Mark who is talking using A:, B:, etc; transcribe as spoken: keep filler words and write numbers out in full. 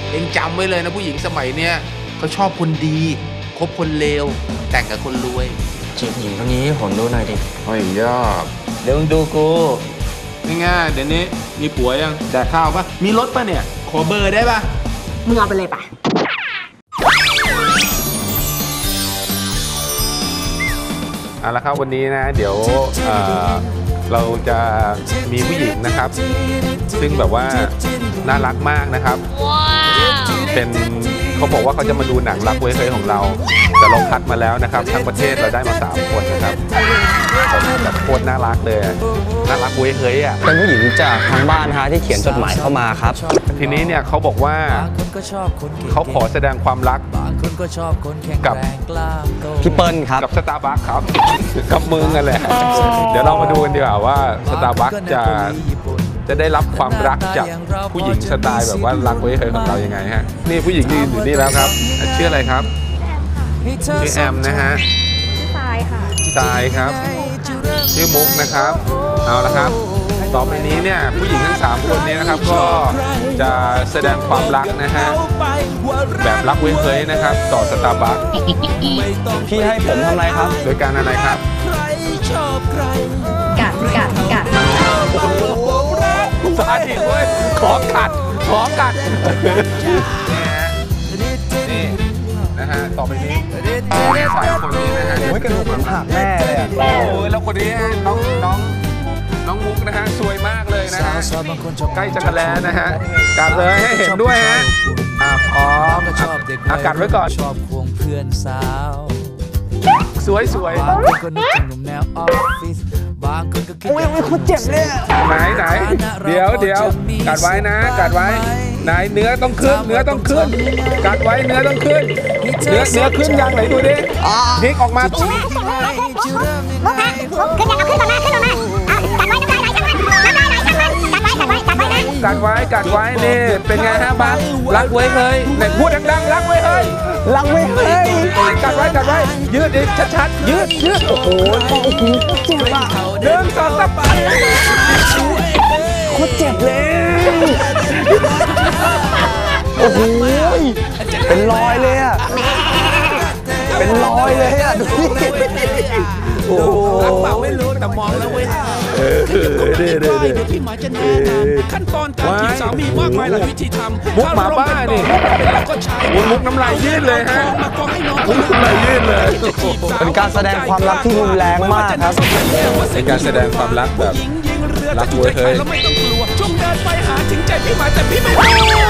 A: เองจำไว้เลยนะผู้หญิงสมัยเนี้ยเขาชอบคนดีคบคนเลวแต่งกับคนรวย
B: จีบหญิงคนนี้ให้ผมดูหน่อยดิ
A: โอ้ยยอด
B: เดี๋ยวมึงดูกู
A: ง่ายๆเดี๋ยวนี้มีผัวยังแดกข้าวปะมีรถปะเนี่ยขอเบอร์ได้ปะ
C: มึงเอาไปเลยปะ
A: เอาละครับวันนี้นะเดี๋ยวเอ่อเราจะมีผู้หญิงนะครับซึ่งแบบว่าน่ารักมากนะครับเป็นเขาบอกว่าเขาจะมาดูหนังรักเว้ยเฮ้ยของเราแต่เราคัดมาแล้วนะครับทั้งประเทศเราได้มาสามคนนะครับแบบโคตรน่ารักเลยน่ารักเว้ยเฮ้ยอ่ะ
B: เป็นผู้หญิงจากทางบ้านฮะที่เขียนจดหมายเข้ามาครับ
A: ทีนี้เนี่ยเขาบอกว่าเขาขอแสดงความรักกับ
B: พี่เปิ้ลครับ
A: กับสตาร์บัคครับกับมึงกันแหละเดี๋ยวเรามาดูกันดีกว่าว่าสตาร์บัคจะจะได้รับความรักจากผู้หญิงสไตล์แบบว่ารักเว้ยเฮ้ยของเรายังไงฮะนี่ผู้หญิงยืนอยู่นี่แล้วครับชื่ออะไรครับชื่อแอมนะฮะ
C: ชื่อทรายค่ะ
A: ทรายครับชื่อมุกนะครับเอาละครับต่อไปนี้เนี่ยผู้หญิงทั้งสามคนนี้นะครับก็จะแสดงความรักนะฮะแบบรักเว้ยเฮ้ยนะครับต่อสตาร์บัค
B: พี่ให้ผมทำอะไรครับ
A: โดยการอะไรครับ
C: กัดกัดกัด
A: สาธิตเว้ยขอกัดขอกัดนี่นะฮะต่อไปนี้สายคนนี้นะฮะ
B: โอ้ยกระดูกผมหักแน่เลยอ่ะ
A: โอ้ยแล้วคนนี้น้องน้องน้องมุกนะฮะสวยมากเลยนะฮะใกล้จะกันแล้วนะฮะกัดเลยให้เห็นด้วยฮะอ่ะพร้อมอากาศไว้ก่อนชอบควงเพื่อนสาวสวยสวย
B: อุ้ยอุ้ยเขาเจ็บเลย
A: ไหนไหนเดี๋ยวเดี๋ยวกัดไว้นะกัดไว้ไหนเนื้อต้องขึ้นเนื้อต้องขึ้นกัดไว้เนื้อต้องขึ้นเนื้อเนื้อขึ้นยังไหนดูดิพลิกออกมา
C: มุกนะมุกขึ้นยังเอาขึ้นมาขึ้นมากัดไว้กัดไว้กัดไว้กัดไว้กัดไว้นะ
A: กัดไว้กัดไว้นี่เป็นไงฮะบ้านรักเว้ยเฮ้ยไหนพูดดังๆรักเว้ยเฮ้ย
B: รักเว้ยเฮ้ย
A: กัดไว้กัดไว้ยืดดิชัดๆยืดยืดโอ้โห
B: เจ็บอ่ะ
A: หนึ่งสองสาม
B: โคตรเจ็บเลยโอ้โหเป็นรอยเลยอ่ะเป็นรอยเลยอ่ะดูดิ
A: โอ้โหรักเปล่าไม่รู้แต่มองแล้วเว้ยเออเด้อเด้อเด้อพี่หมายจะแนะนำขั้นตอนการจีบสามีมากมายหลายวิธีทำมุกหมาบ้านี่มุกน้ำลายยืดเลยฮะมุกน้ำลายยืดเลย
B: เป็นการแสดงความรักที่รุนแรงมากครับ
A: เป็นการแสดงความรักแบบรักเว้ยเฮ้ยแล้วไม่ต้องกลัวช่วงเดินไปหาถึงใจพี่หมายแต่พี่ไม่รู้